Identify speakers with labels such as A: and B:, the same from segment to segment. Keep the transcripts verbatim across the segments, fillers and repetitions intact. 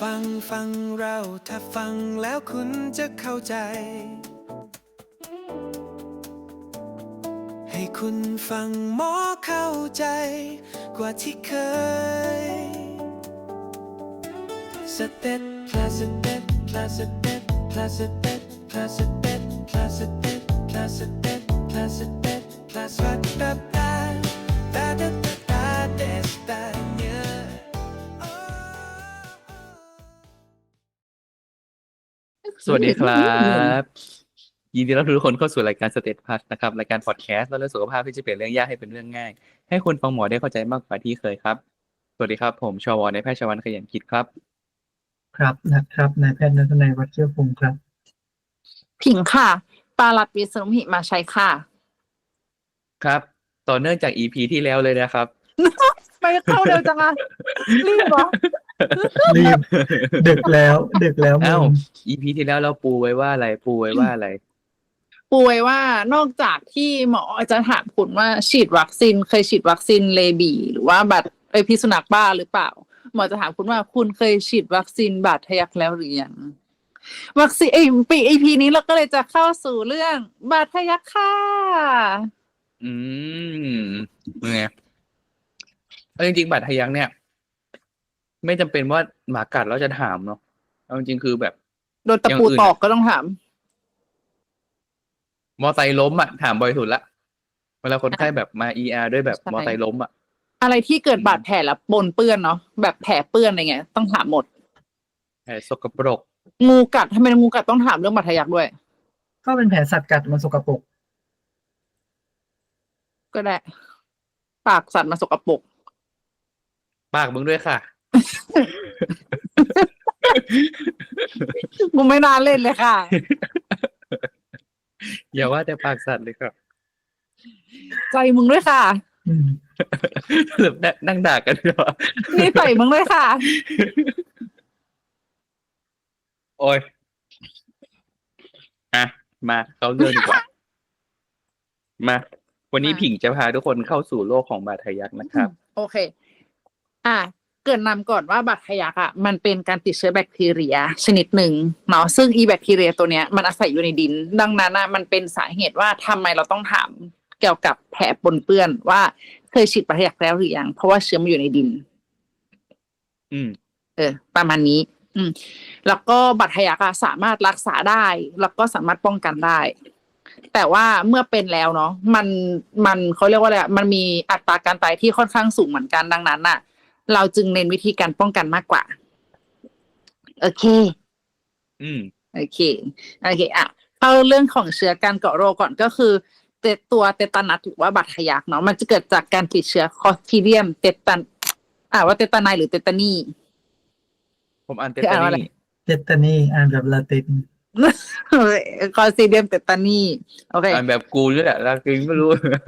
A: ฟังฟังเราถ้าฟังแล้วคุณจะเข้าใจ ให้คุณฟังหมอเข้าใจกว่าที่เคยสเต็ปพลาสเต็ปพลาสเต็ปพลาสเต็ปพลาสเต็ปพลาสเต็ปพลาสเต็ปพลาสเต็ปพลาสเต็ปตาตาตาตาตาเดสตาเน
B: สวัสดีครับยินดีต้อนรับทุกคนเข้าสู่รายการสเตทพัสนะครับรายการพอดแคสต์เรื่องสุขภาพที่จะเปลี่ยนเรื่องยากให้เป็นเรื่องง่ายให้คนฟังหมอได้เข้าใจมากกว่าที่เคยครับสวัสดีครับผมชวในแพทย์ชวันขยันกิจครับ
C: ครับนะครับนายแพทย์ณัฐนัยวัชเชื้อพงศ์ครับ
D: ผิงค่ะปาลัดวิษณุหิมาชัยค่ะ
B: ครับต่อเนื่องจาก อี พี ที่แล้วเลยนะครับ
D: ไปเข้าเร็วจังอะรีบเหรอ
C: รีบดึกแล้วดึกแล้วมึ
B: อ้าว
C: ง
B: อี พี ที่แล้วเราปูไว้ว่าอะไรปูไว้ว่าอะไร
D: ปูไว้ว่านอกจากที่หมอจะถามคุณว่าฉีดวัคซีนเคยฉีดวัคซีนเลบีหรือว่าบัตรไอพิษสุนัขบ้าหรือเปล่าหมอจะถามคุณว่าคุณเคยฉีดวัคซีนบาดทะยักแล้วหรือยังวัคซีนไอปีอีพีนี้เราก็เลยจะเข้าสู่เรื่องบาดทะยักค่ะ
B: อืมไงเอาจริงๆบาดทะยักเนี่ยไม่จำเป็นว่าหมากัดแล้วจะถามเนาะเอาจริงๆคือแบบ
D: โดนตะปูตอกก็ต้องถาม
B: มอไซค์ล้มอ่ะถามบ่อยสุดละเวลาคนไข้แบบมา อี อาร์ ด้วยแบบมอไซค์ล้มอ่ะ
D: อะไรที่เกิดบาดแผลแล้วปนเปื้อนเนาะแบบแผลเปื้อนอะไรเงี้ยต้องถามหมด
B: แผลสกปรก
D: งูกัดทำไมงูกัดต้องถามเรื่องบาดทะยักด้วย
C: ก็เป็นแผลสัตว์กัดมันสกปรก
D: ก็ได้ปากสัตว์มาสกปรก
B: ปากมึงด้วยค่ะ
D: กูไม่น่าเล่นเลยค่ะ
B: อย่าว่าแต่ปากสัตว์เลยครับ
D: ใจมึงด้วยค่ะ
C: อืม
B: หรือนั่งด่ากันเหรอ
D: นี่ใส่มึงด้วยค่ะ
B: โอ้ยอ่ะมาเข้าเรื่องดีกว่า มาวันนี้ผิงจะพาทุกคนเข้าสู่โลกของบาดทะยักนะครับ
D: โอเค อ่ะเกริ่นนำก่อนว่าบาดทะยักอ่ะมันเป็นการติดเชื้อแบคทีเรียชนิดหนึ่งเนาะซึ่งอีแบคทีเรียตัวเนี้ยมันอาศัยอยู่ในดินดังนั้นอ่ะมันเป็นสาเหตุว่าทำไมเราต้องถามเกี่ยวกับแผลปนเปื้อนว่าเคยฉีดบาดทะยักแล้วหรือยังเพราะว่าเชื้อมันอยู่ในดิน
B: อืม
D: เออประมาณนี้ อืมแล้วก็บาดทะยักอ่ะสามารถรักษาได้แล้วก็สามารถป้องกันได้แต่ว่าเมื่อเป็นแล้วเนาะมันมันเขาเรียกว่าอะไรมันมีอัตราการตายที่ค่อนข้างสูงเหมือนกันดังนั้นน่ะเราจึงเน้นวิธีการป้องกันมากกว่าโอเค
B: อืม
D: โอเคโอเคอ่ะเข้าเรื่องของเชื้อการเกาะโรคก่อนก็คือเตตัวเตตานัสหรือว่าบาดทะยักเนาะมันจะเกิดจากการติดเชื้อคลอสทริเดียมเตตันอ่าว่าเตตาไนหรือเตตานี
B: ผมอ่านเตตานี
C: เตตานีอ่านแบบลาติน
D: คลอสทริเดียมเตตานีโอเค
B: อ่านแบบกูด้วยแหละแล้วกินไม่รู้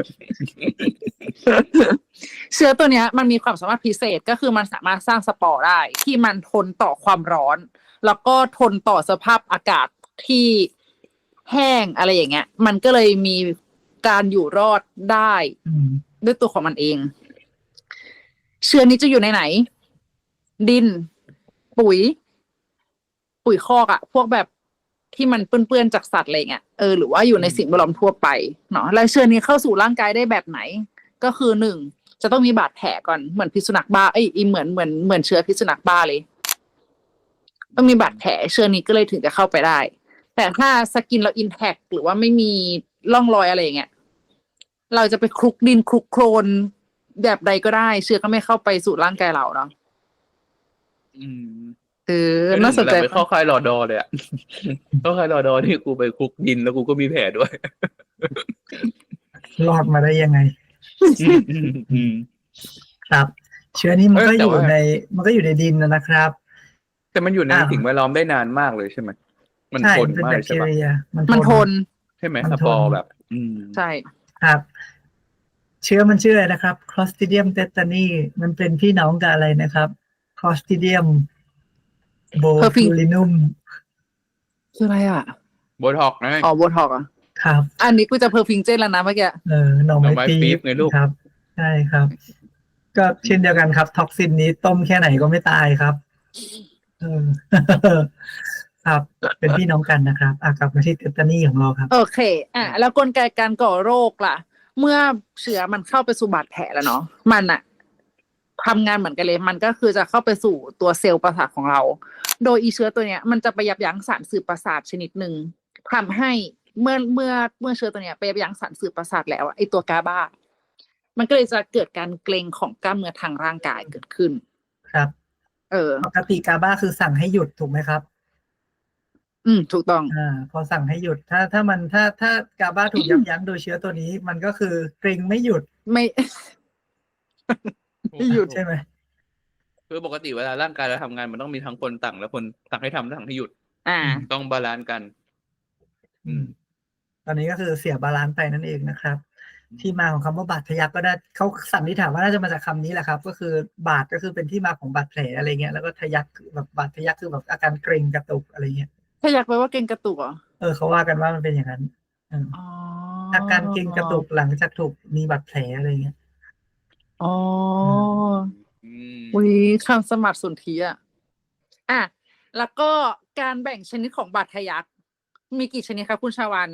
D: เชื้อตัวเนี้ยมันมีความสามารถพิเศษก็คือมันสามารถสร้างสปอร์ได้ที่มันทนต่อความร้อนแล้วก็ทนต่อสภาพอากาศที่แห้งอะไรอย่างเงี้ยมันก็เลยมีการอยู่รอดได้ด้วยตัวของมันเองเชื้อนี้จะอยู่ในไหนดินปุ๋ยปุ๋ยคอกอะพวกแบบที่มันเปื้อนๆจากสัตว์อะไรเงี้ยเออหรือว่าอยู่ในสิ่งแวดล้อมทั่วไปเนาะแล้วเชื้อนี้เข้าสู่ร่างกายได้แบบไหนก็คือหนึ่งจะต้องมีบาดแผลก่อนเหมือนพิษสุนัขบ้าเอ้ยเหมือนเหมือนเหมือนเชื้อพิษสุนัขบ้าเลยต้องมีบาดแผลเชื้อนี้ก็เลยถึงจะเข้าไปได้แต่ถ้าสกินเราอินแทคหรือว่าไม่มีร่องรอยอะไรอย่างเงี้ยเราจะไปคลุกดินคลุกโคลนแบบใดก็ได้เชื้อก็ไม่เข้าไปสู่ร่างกายเราเนาะ
B: อืม
D: เออน่าสนใจ
B: ไปเข้าค่ายรอดอเลยอ่ะ เข้าค่ายรอดอที่กูไปคลุกดินแล้วกูก็มีแผลด้วย
C: รอดมาได้ยังไงครับเชื้อนี้มันก็อยู่ในมันก็อยู่ในดินนะครับ
B: แต่มันอยู่ในสิ่งแวดล้อมได้นานมากเลยใช่ไหมมันทนมากใช่ไหม
D: มันทน
B: ใช่ไหมสปอร์แบบ อืม
D: ใช่
C: ครับเชื้อมันชื่ออะไรนะครับ Clostridium tetani มันเป็นพี่น้องกับอะไรนะครับ Clostridium botulinum
D: คืออะไรอ่ะ
B: โบท็อกนะ
D: อ๋อโบท็อกอ่ะ
C: ครับ
D: อันนี้กูจะเพอร์ฟิงเจนแล้วนะเมื่อกี้
C: เออหน่อไม้ปี๊บ
B: ไงลูก
C: ครับใช่ครับก็เช่นเดียวกันครับท็อกซินนี้ต้มแค่ไหนก็ไม่ตายครับเอออ ครับ เป็นพี่น้องกันนะครับอ่ะกลับมาที่เทตตานีของเราครับ
D: โอเค อ่ะ แล้วกลไกการก่อโรคล่ะ เมื่อเชื้อมันเข้าไปสู่บาดแผลแล้วเนาะ มันอะทำงานเหมือนกันเลย มันก็คือจะเข้าไปสู่ตัวเซลล์ประสาทของเรา โดยอีเชื้อตัวเนี้ย มันจะไปยับยั้งสารสื่อประสาทชนิดหนึ่งทำให้เมื่อเมื่อเมื่อเชื้อตัวเนี้ยไปยับยั้งสารสื่อประสาทแล้วอะไอตัวกาบา มันก็เลยจะเกิดการเกร็งของกล้ามเนื้อทางร่างกายเกิดขึ้น
C: ครับ
D: เออ
C: ปกติกาบ้าคือสั่งให้หยุดถูกไหมครับ
D: อืม ถูกต้อง
C: อ่า พอสั่งให้หยุด ถ้าถ้ามันถ้าถ้ากาบ้าถูกยับยั้งโดยเชื้อตัวนี้ มันก็คือเกร็งไม่หยุด
D: ไม่ ไม่หยุด
C: ใช่ไหม
B: คือปกติเวลาร่างกายเราทำงานมันต้องมีทั้งคนสั่งและคนสั่งให้ทำและสั่งให้หยุด
D: อ่า
C: อืม
B: ต้องบาลานซ์กัน
C: อืม ตอนนี้ก็คือเสียบาลานซ์ไปนั่นเองนะครับ ที่มาของคำว่าบาดทะยักก็ได้เขาสันนิษฐานว่าน่าจะมาจากคำนี้แหละครับ ก็คือบาดก็คือเป็นที่มาของบาดแผลอะไรเงี้ยแล้วก็ทะยักคือแบบบาดทะยักคือแบบอาการเกร็งกระตุกอะไรเงี้ย
D: ถ้าอยากไปว่าเก่งกระตุกเหรอ
C: เออเขาว่ากันว่ามันเป็นอย่างนั้นเออ
D: อ๋อ
C: อาการเกร็งกระตุกหลังจากถูกมีบาดแผลอะไรเงี้ย
D: อ๋อ
B: อืม
D: อุ้ยคำสมัครสนธิอ่ะ อ่ะ แล้วก็การแบ่งชนิดของบาดทะยักมีกี่ชนิดครับคุณชาวัน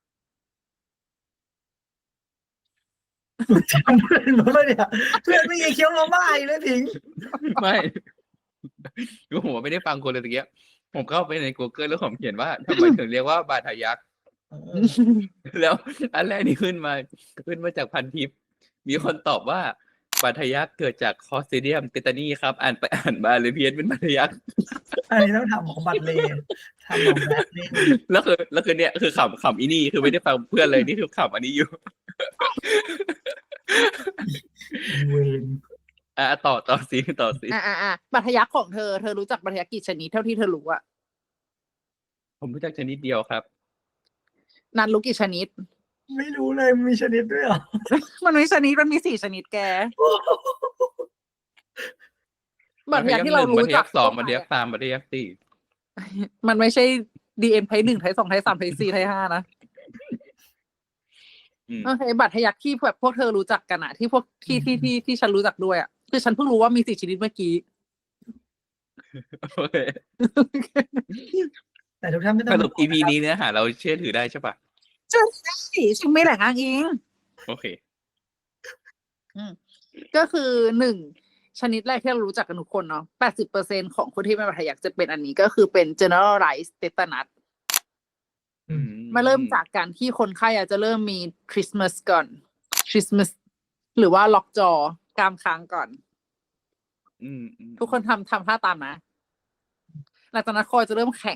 C: จำเพื่อนมาเนี่ยเพื่อนไม่ยังเคี้ยวมาม่าอยู่เลยพิง
B: ไม่คือผมไม่ได้ฟังคนเลยตะเกียบผมเข้าไปใน Google แล้วผมเขียนว่าทำไมถึงเรียกว่าบาดทะยัก
C: เออ
B: แล้วอันแรกนี่ขึ้นมาขึ้นมาจากพันทิป มีคนตอบว่าบาดทะยักเกิดจากคอสเตเดียมเตตานีครับ อ่านไปอ่านมาเลยเพี้ยนเป็นบาดทะยัก
C: อันนี้ต้องทำของบัตรเลทำของแบทเล
B: แล้วคือแล้วคือเนี่ยคือขำขำอีนี่คือไม่ได้ฟังเพื่อนเลยนี่คือขำอันนี้อยู่
C: เวน
B: อ่ะต่อต่อสิต่อสิ
D: อ่ะอ่ะอ่ะบาดทะยักของเธอ เธอรู้จักบาดทะยักกี่ชนิดเท่าที่เธอรู้อะ
B: ผมรู้จักชนิดเดียวครับ
D: นันรู้กี่ชนิด
C: ไม่รู้เลยมีชนิดด้วยเหรอ
D: มันมีชนิด มันมีสี่ชนิดแก บาดทะยักที่เรารู้
B: บาดทะ
D: จั
B: ยั
D: ก
B: กสองบาดทะยักสามบาดทะยักสี่
D: มันไม่ใช่ดีเอ็นไทป์หนึ่งไทป์สองไทป์สามไทป์สี่ไทป์ห้านะ
B: อืม
D: โอเคบาดทะยักที่แบบพวกเธอรู้จักกันอะที่พวกที่ที่ที่ที่ฉันรู้จักด้วยอะคือฉันเพิ่งรู้ว่ามีสี่ชนิดเมื่อกี้
B: โอเค
C: แต่ทุกท่านไม่ต้อ
B: ส
C: ง
B: รุป อี พี นี้เนื้อหาเราเชื่อถือได้ใช่ปะ
D: ใช่ฉันไม่แหล่งอ้างอิง
B: โอเค
D: ก็คือหนึ่งชนิดแรกที่เรารู้จักกันทุกคนเนาะแปดสิบเปอร์เซ็นของคนที่เป็นบาดทะยักจะเป็นอันนี้ก็คือเป็น generalized tetanus
C: อืม
D: มาเริ่มจากการที่คนไข้อาจจะเริ่มมี Christmas ก่อน Christmas หรือว่าล็อกจอกรามค้างก่อน
B: อืมอืม
D: ทุกคนทำทำท่าตามนะหลังจากนั้นคอจะเริ่มแข็ง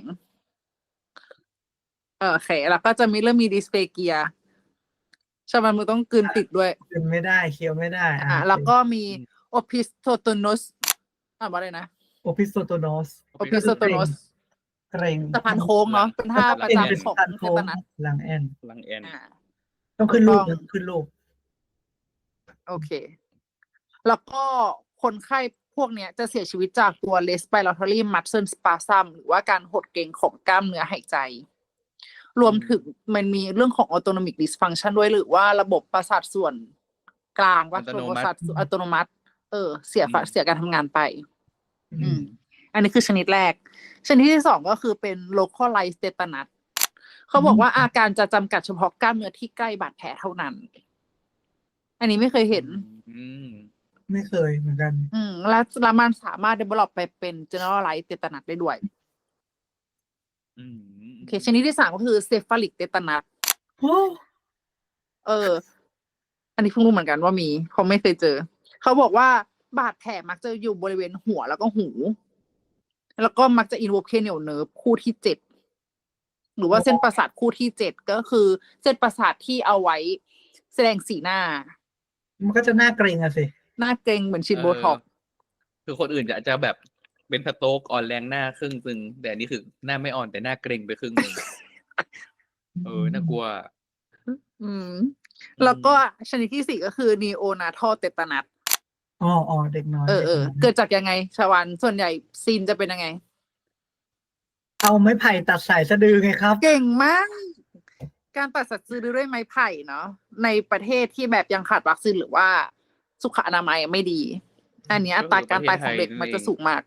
D: เออแข็งแล้วก็จะมีเริ่มมีดิสเฟเกียชาวบ้านมือต้องกลืนติดด้วย
C: กินไม่ได้เคี้ยวไม่ได้
D: อ่าแล้วก็มี opisthotronus อ่านว่าอะไรนะ
C: โอพิสโตโนส
D: opisthotronus
C: เกรง
D: สะพานโค้งเนาะเป็นท่าประ
C: เป็น
D: จำ
C: เป็น
D: ของ
C: สะพาน
D: เท
C: โค้ง
D: ตานัส
C: หลังแอน
B: พลังแอน
D: อ่า
C: ต้องขึ้นรูป
D: ถูกต้อง
C: นะขึ้นรูป
D: โอเค แล้วก็คนไข้พวกเนี้ยจะเสียชีวิตจากตัว respiratory muscle spasm หรือว่าการหดเกร็งของกล้ามเนื้อหายใจ รวมถึงมันมีเรื่องของ autonomic dysfunction ด้วยหรือว่าระบบประสาทส่วนกลางว่า
B: อัตโน
D: ระบบ
B: มั
D: ประสาท
B: ติ
D: ส่วนอัตโนมัติ เออ เสีย
B: อืม
D: เสียการทำงานไป
C: อื
D: อื
C: ม
D: ม อันนี้คือชนิดแรก ชนิดที่สองก็คือเป็น localized tetanus เขาบอกว่าอาการจะจำกัดเฉพาะกล้ามเนื้อที่ใกล้บาดแผลเท่านั้น อันนี้ไม่เคยเห็น
B: อืม
C: ไม่เคยเหมือนกัน
D: อืม และแล้วมันสามารถ develop ไปเป็น generalized tetanus ได้ด้วย
B: อืม
D: โอเค ชนิดที่สามก็คือ cephalic tetanus
C: โอ้
D: เออ อันนี้เพิ่งรู้เหมือนกันว่ามีเพราะไม่เคยเจอ เขาบอกว่าบาดแผลมักจะอยู่บริเวณหัวแล้วก็หู แล้วก็มักจะ involve cranial nerve คู่ที่เจ็ด หรือว่าเส้นประสาทคู่ที่เจ็ดก็คือเส้นประสาทที่เอาไว้แสดงสีหน้า
C: มันก็จะน่าเกรงอะสิ
D: หน้าเกร็งเหมือนฉีดโบท็อกซ์
B: คือคนอื่นจะจะแบบเป็นสโตรกอ่อนแรงหน้าครึ่งนึงแต่อันนี้คือหน้าไม่อ่อนแต่หน้าเกร็งไปครึ่งนึงเออน่ากลัว
D: อืม แล้วก็ชนิดที่สี่ก็คือ neonatal tetanus
C: อ๋ออ๋อเด็กน้อย
D: เออเออ
C: ด็กน้ย
D: เกิดจากยังไงชาวันส่วนใหญ่ซีนจะเป็นยังไง
C: เอาไม้ไผ่ตัดสายสะดือไงครับ
D: เก่งมาก การตัดสัตว์ซื้อด้วยไม้ไผ่เนาะในประเทศที่แบบยังขาดวัคซีนหรือว่าสุขอนามัยไม่ดี อันเนี้ยอัตราการตายของเด็กมันจะสูงมาก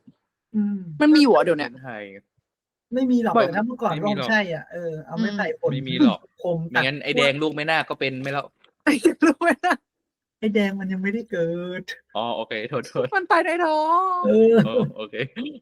C: อืม
D: มันมีอยู่เหรอเดี๋ยวเนี้ย
B: ไทย
C: ไม่มีหรอก
D: บ่อย
C: แต่ถ้าเมื่อก่อน
B: ไม่
C: ก็
B: มี
C: ค
B: หรง อก
C: ใช่อ่ะเออเอาไม้
D: อืม
C: ไผ่ผล
B: ไม่มีหรอก
C: คม
B: ไม่
C: ตัด
B: งั้นไอ้แดงลูกไม่น่าก็เป็นไม่แล้ว
D: รู้ไหมนะ
C: ไอ้แดงมันยังไม่ได้เกิด
B: อ๋อโอเคโทษโทษ
D: มันตายในท้อง
C: เออ
B: เออโอเค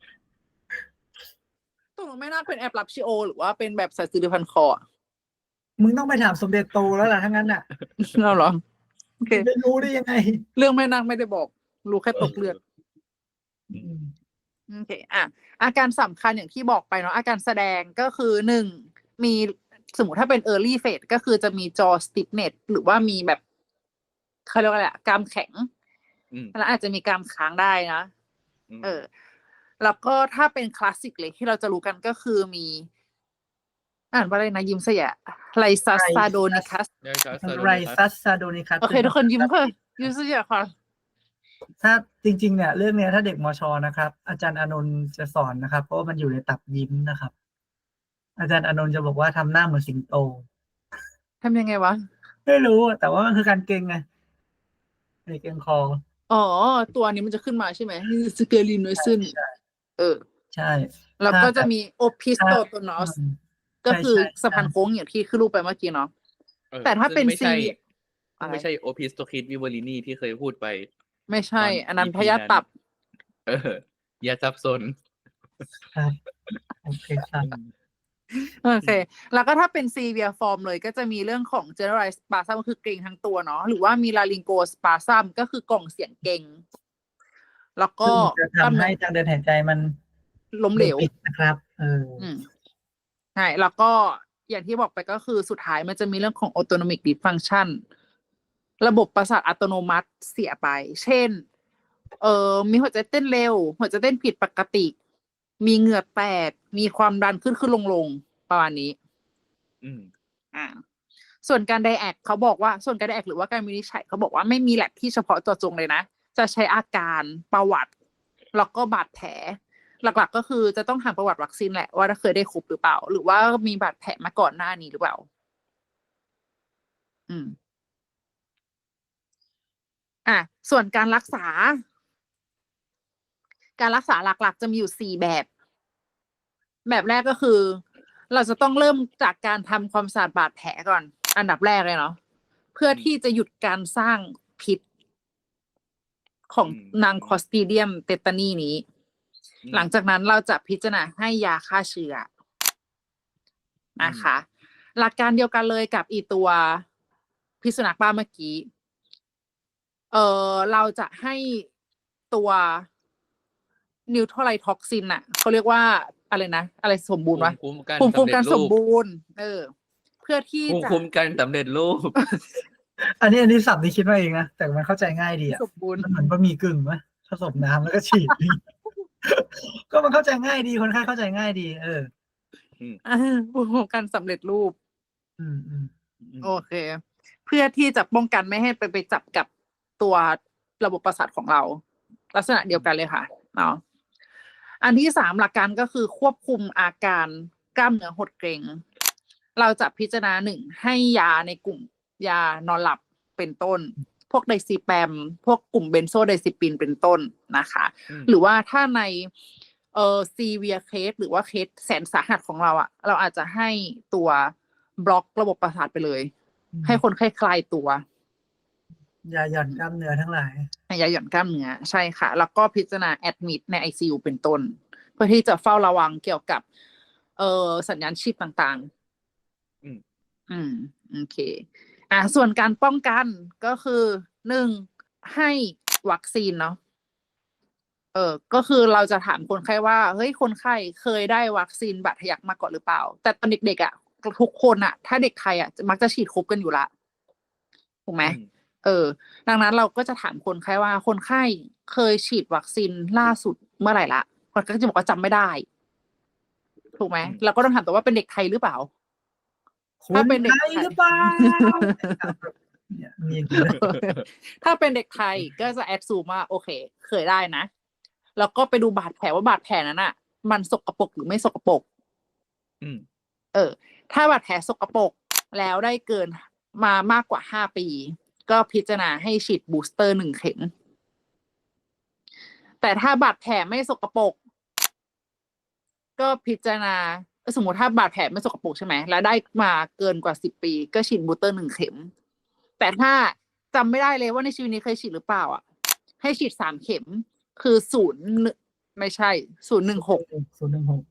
D: ตกลงไม่น่าเป็นแอปรับชิโอ หรือว่าเป็นแบบสายสิริพันคออะ
C: มึงต้องไปถามสมเด็จโตแล้วล่ะทั้งนั้นน่ะ
D: เราเหรอโอเค
C: จะรู้ได้ยังไง
D: เรื่องแม่นางไม่ได้บอก รู้แค่ตกเลือด
C: อืม
D: โอเคอ่ะอาการสำคัญอย่างที่บอกไปเนาะอาการแสดงก็คือหนึ่งมีสมมติถ้าเป็น early phase ก็คือจะมี jaw stiffness หรือว่ามีแบบเขาเรียกว่าอะไรอะกรามแข็ง
B: อืม
D: แล้วอาจจะมีกรามค้างได้นะ
B: อืม
D: เออ แล้วก็ถ้าเป็นคลาสสิกเลยที่เราจะรู้กันก็คือมี อ่านว่าอะไรนะยิ้มเสียไลซัสซาโดนิคัส
B: ได้ครับ
C: ไรซัสซาโดนิคัส
D: โอเคทุกคนยิ้มค่ะยิ้มเสียค่ะ
C: ถ้าจริง ๆ เนี่ย เรื่องเนี้ยถ้าเด็กมชนะครับ อาจารย์อานนท์จะสอนนะครับ เพราะว่ามันอยู่ในตับยิ้มนะครับ อาจารย์อานนท์จะบอกว่าทำหน้าเหมือนสิงโต
D: ทำยังไงวะ
C: ไม่รู้อะแต่ว่ามันคือการเก่งไงเก่งคอ
D: อ๋อ ตัวนี้มันจะขึ้นมาใช่ไหมสเกลินโนซึนเออ
C: ใช่
D: แล้วก็จะมีโอพิสโตโตนอส
C: อืม
D: ก็คือ
C: ใช่ใช่
D: สะพานโค้งอย่างที่ขึ้นรูปไปเมื่อกี้เนาะ
B: เออ
D: แต่ถ้าเป็น
B: ซึ่งไม่ใช่
D: ซี
B: ซึ่งไม่ใช่โอพิสโตคิดวิวอลินีที่เคยพูดไป
D: ไม่ใช่
B: ตอน
D: อันนั้น
B: อี พี
D: พยาธิตับ
B: เออ อย่าซับซ้อน
C: ครับโอเคครับ
D: โอเค แล้วก็ถ้าเป็น severe form เลยก็จะมีเรื่องของ generalized spasm ก็คือเกร็งทั้งตัวเนาะ หรือว่ามี laryngospasm ก็คือกล่องเสียงเกร็ง แล้วก็
C: ซึ่งจะทำให้ทางเดินหายใจมัน
D: ล้มเหลว
C: ปิดนะครับ เออ
D: อืมใช่ แล้วก็อย่างที่บอกไปก็คือสุดท้ายมันจะมีเรื่องของ autonomic dysfunction ระบบประสาทอัตโนมัติเสียไป เช่น เอ่อ มีหัวใจเต้นเร็ว หัวใจเต้นผิดปกติ มีเหงื่อแตก มีความดันขึ้นขึ้นลงลงประมาณนี้
B: อืม
D: อ่า ส่วนการไดแอกเขาบอกว่า ส่วนการไดแอกหรือว่าการวินิจฉัยเขาบอกว่าไม่มีแลบที่เฉพาะตัวจงเลยนะ จะใช้อาการประวัติ แล้วก็บาดแผล หลักๆก็คือจะต้องถามประวัติวัคซีนแหละว่าเคยได้ครบหรือเปล่า หรือว่ามีบาดแผลมาก่อนหน้านี้หรือเปล่า อืม อ่ะ ส่วนการรักษา การรักษาหลักๆจะมีอยู่สี่แบบ แบบแรกก็คือ เราจะต้องเริ่มจากการทำความสะอาดบาดแผลก่อน อันดับแรกเลยเนาะ เพื่อที่จะหยุดการสร้างพิษ ของ
B: อืม
D: นางคลอสตรีเดียมเตตานีนี้
B: อืม
D: หลังจากนั้นเราจะพิจารณาให้ยาฆ่าเชื้อนะคะ หลักการเดียวกันเลยกับอีตัวพิษสุนัขบ้าเมื่อกี้ เออเราจะให้ตัวนิวทรไลท็อกซินอ่ะเขาเรียกว่าอะไรนะ อะไรสมบูรณ์วะ
B: ภูมิคุ้มกัน
D: ภูมิคุ้มกัน
B: สำเร็จรูป
D: สมบูรณ์ เออ เพื่อที่
B: ภูมิ
D: จะ
B: คุ้มกันสำเร็จรูป
C: อันนี้อันนี้สับที่คิดมาเองนะ แต่มันเข้าใจง่ายดีอ่ะ
D: สมบูรณ์
C: มันเหมือนบะหมี่กึ่งไหมผสมน้ำแล้วก็ฉีด ก็มันเข้าใจง่ายดี คนไข้เข้าใจง่ายดี เออ
D: อ่าภูมิคุ้มกันสำเร็จรูป
C: อืมอืม
D: โอเค เพื่อที่จะป้องกันไม่ให้ไปไปจับกับตัวระบบประสาทของเรา ลักษณะเดียวกันเลยค่ะเนาะอันที่สามหลักการก็คือควบคุมอาการกล้ามเนื้อหดเกร็ง เราจะพิจารณาหนึ่งให้ยาในกลุ่มยานอนหลับเป็นต้น พวกไดซิแปม พวกกลุ่มเบนโซไดซิปินเป็นต้นนะคะ
B: อืม
D: หรือว่าถ้าในเอ่อซีเวียเคสหรือว่าเคสแสนสาหัสของเราอะเราอาจจะให้ตัวบล็อกระบบประสาทไปเลย
C: อืม
D: ให้คนไข้คลายตัวย
C: าหย่อนกล้ามเนื้อทั้งหลาย
D: ยาหย่อนกล้ามเนื้อใช่ค่ะ แล้วก็พิจารณาแอดมิดใน ไอ ซี ยู เป็นต้น เพื่อที่จะเฝ้าระวังเกี่ยวกับเอ่อสัญญาณชีพต่างๆ
B: อืม
D: อืมโอเค อ่าส่วนการป้องกันก็คือหนึ่งให้วัคซีนเนาะเออก็คือเราจะถามคนไข้ว่าเฮ้ยคนไข้เคยได้วัคซีนบาดทะยักมาก่อนหรือเปล่า แต่ตอนเด็กๆอ่ะทุกคนอ่ะ ถ้าเด็กไทยอ่ะมักจะฉีดครบกันอยู่ละถูกไหม
B: อืม
D: เออ ดังนั้นเราก็จะถามคนไข้ว่าคนไข้เคยฉีดวัคซีนล่าสุดเมื่อไหร่ละคนก็จะบอกว่าจำไม่ได้ ถูกไหม
B: อืม
D: เราก็ต้องถามตัวว่าเป็นเด็กไทยหรือเปล่า
C: คุ
D: ถ้า
C: ณ
D: เป็นเด็ก
C: ไทย
D: ไทย
C: หรือเปล่าเนี่ยมีอย่างนี้ด้วย
D: ถ้าเป็นเด็กไทยก็จะแอดซูมว่าโอเค เคยได้นะ แล้วก็ไปดูบาดแผลว่าบาดแผลนั้นอ่ะ มันสกปรกหรือไม่สกปรก
B: อืม
D: เออ ถ้าบาดแผลสกปรกแล้วได้เกินมามากกว่าห้าปี ก็พิจารณาให้ฉีดบูสเตอร์หนึ่งเข็ม แต่ถ้าบาดแผลไม่สกปรกก็พิจารณาสมมติถ้าบาดแผลไม่สกปรกใช่ไหมแล้วได้มาเกินกว่าสิบปีก็ฉีดบูสเตอร์หนึ่งเข็ม แต่ถ้าจำไม่ได้เลยว่าในชีวิตนี้เคยฉีดหรือเปล่าอ่ะให้ฉีดสามเข็มคือศูนย์ไม่ใช่ศูนย์หนึ่งหก
C: ศูนย์หนึ่งหก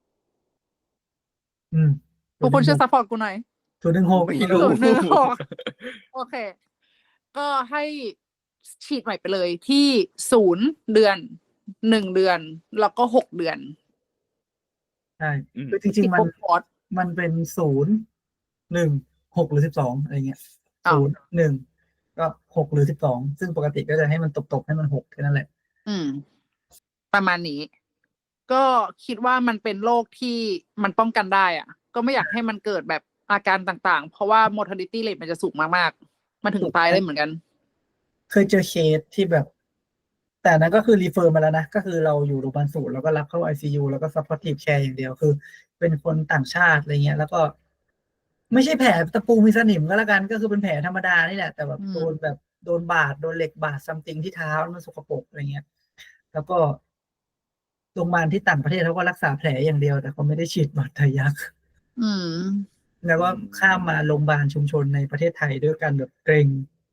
C: อืม
D: ทุกคนช่วยซัพพอร์ตกูหน่อย
C: ศูนย์หนึ่งหก
B: ไม่รู้
D: ศูนย์หนึ่งหกโอเค ก็ให้ฉีดใหม่ไปเลยที่ศูนย์เดือนหนึ่งเดือนแล้วก็หกเดือน
C: ใช่
B: อืม
C: คือจริงๆมัน
D: ครบคอร์ส
C: มันเป็นศูนย์หนึ่งหกหรือสิบสองอะไรเงี้ย
D: อ้าว
C: ศูนย์หนึ่งก็หกหรือสิบสองซึ่งปกติก็จะให้มันตกๆให้มันหกแค่นั้นแหละ
D: อืม ประมาณนี้ ก็คิดว่ามันเป็นโรคที่มันป้องกันได้อ่ะ ก็ไม่อยากให้มันเกิดแบบอาการต่างๆ เพราะว่า mortality rate มันจะสูงมากๆ มันถึงตายได้เหมือนกัน
C: เคยเจอเคสที่แบบ แต่นั้นก็คือรีเฟอร์มาแล้วนะ ก็คือเราอยู่โรงพยาบาลศูนย์แล้วก็รับเข้า ไอ ซี ยู แล้วก็ supportive care อย่างเดียวคือ เป็นคนต่างชาติอะไรเงี้ย แล้วก็ ไม่ใช่แผลตะปูมีสนิมก็แล้วกัน ก็คือเป็นแผลธรรมดานี่แหละ แต่แบบ
D: อืม
C: โดนแบบโดนบาดโดนเหล็กบาดซัมติงที่เท้าแล้วมันสกปรกอะไรเงี้ย แล้วก็โรงพยาบาลที่ต่างประเทศเขาก็รักษาแผลอย่างเดียว แต่เขาไม่ได้ฉีดบาดทะยัก
D: อืม
C: แล้วก็ข้ามมาโรงพยาบาลชุมชนในประเทศไทยด้วยกันแบบเกรง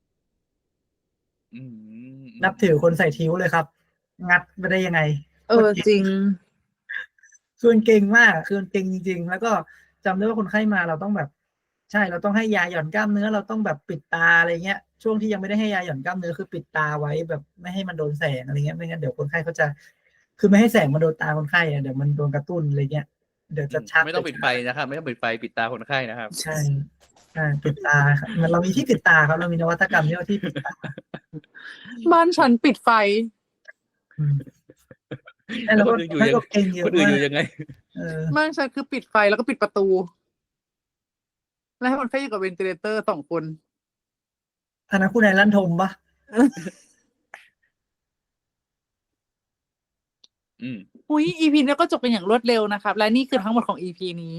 B: อืม
C: นับถือคนใส่ทิ้วเลยครับ งัดไปได้ยังไง
D: เออจริง
C: คือมันเก่งมากคือมันเก่งจริงๆ แล้วก็จำได้ว่าคนไข้มาเราต้องแบบ ใช่เราต้องให้ยาหย่อนกล้ามเนื้อเราต้องแบบปิดตาอะไรเงี้ย ช่วงที่ยังไม่ได้ให้ยาหย่อนกล้ามเนื้อคือปิดตาไว้แบบไม่ให้มันโดนแสงอะไรเงี้ยไม่งั้นเดี๋ยวคนไข้เขาจะ คือไม่ให้แสงมาโดนตาคนไข้อะเดี๋ยวมันโดนกระตุ้นอะไรเงี้ยเดี๋ยวจะชัก
B: ไม่ต้องปิดไฟนะครับ ไม่ต้องปิดไฟปิดตาคนไข้นะครับ
C: ใช่ใช่ปิดตาครับมันเรามีที่ปิดตาครับเรามีนวัตกรรมที่ว่าที่ปิดตา
D: บ้านฉันปิดไฟ
C: อืมใช่แล้วก็
B: คนอื่นอยู่
C: ให้
B: ยัง
C: ก็เก่งเย
B: ค
C: อะ
B: นอื่น
C: มา
B: อก ยู่ยังไง
C: เออ
D: บ้านฉันคือปิดไฟแล้วก็ปิดประตู แล้วให้คนไข้อยู่กับเวนติเลเตอร์สองคน
C: อันนั้นคุณนายลั่นทมปะ
B: อืม
D: อุ้ย อี พี นี้ก็จบกันอย่างรวดเร็วนะครับ และนี่คือทั้งหมดของ อี พี นี้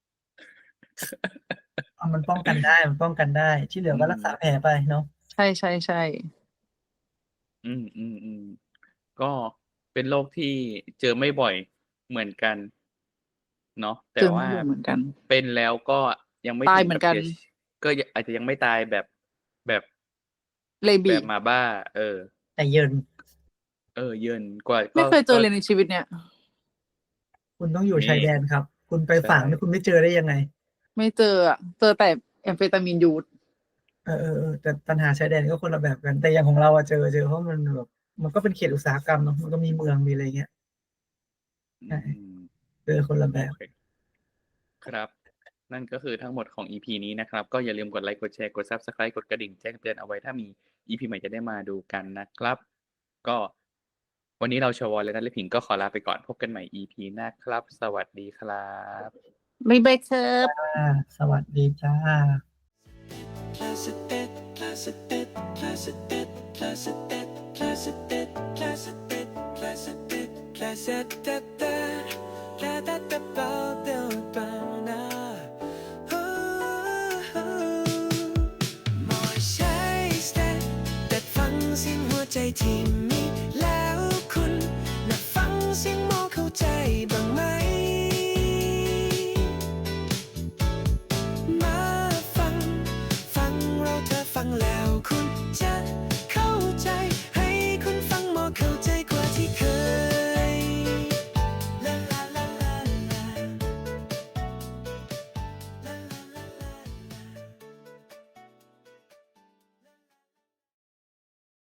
C: เอามันป้องกันได้มันป้องกันได้ ที่เหลือก็รักษาแผลไปเนาะ
D: ใช่ใช่ใช่
B: อืมอืมอืมก็เป็นโรคที่เจอไม่บ่อยเหมือนกัน เนาะแต่
D: เจอไม่
B: ว่า
D: บ่อยเหมือนกัน
B: เป็นแล้วก็ยังไม่
D: ตาย
B: ถึง
D: เหมื
B: กั
D: อบ นกัน
B: เสียชีก็ยังอาจจะยังไม่ตายแบบแบบ
D: เล
B: แบ
D: บี
B: บมาบ้า เออ
C: แต่เยิน
B: เออ เยินกว่า
D: ไม่
B: ก็
D: เคยเจอ
B: ก็
D: เลยในชีวิตเนี่ย
C: คุณต้องอยู่
B: นี่
C: ชายแดนครับ คุณไป
B: ใช่
C: ฝางนี่คุณไม่เจอได้ยังไง
D: ไม่เจออะเจอแต่แอมเฟตามีนยูด
C: เออเออเออแต่ปัญหาชายแดนก็คนละแบบกัน แต่อย่างของเราอะเจอเจอเพราะมันแบบมันก็เป็นเขตอุตสาหกรรมเนาะมันก็มีเมืองมีอะไรเงี้ย ใช่
B: อืม
C: เจอคนละแบ
B: โอบ เค ครับ นั่นก็คือทั้งหมดของ อี พี นี้นะครับ ก็อย่าลืมกดไลค์กดแชร์กด Subscribe กดกระดิ่งแจ้งเตือนเอาไว้ถ้ามี อี พี ใหม่จะได้มาดูกันนะครับ ก็วันนี้เราชวและนัทและผิงก็ขอลาไปก่อนพบกันใหม่ อี พี หน้าครับ สวัสดีครับ
D: บ๊ายบายครับ
C: อ่าสวัสดีจ้า
A: Placid bed, placid bed, placid bed, placid bed, placid bed, placid bed, placid bed, placid bed, placid bed.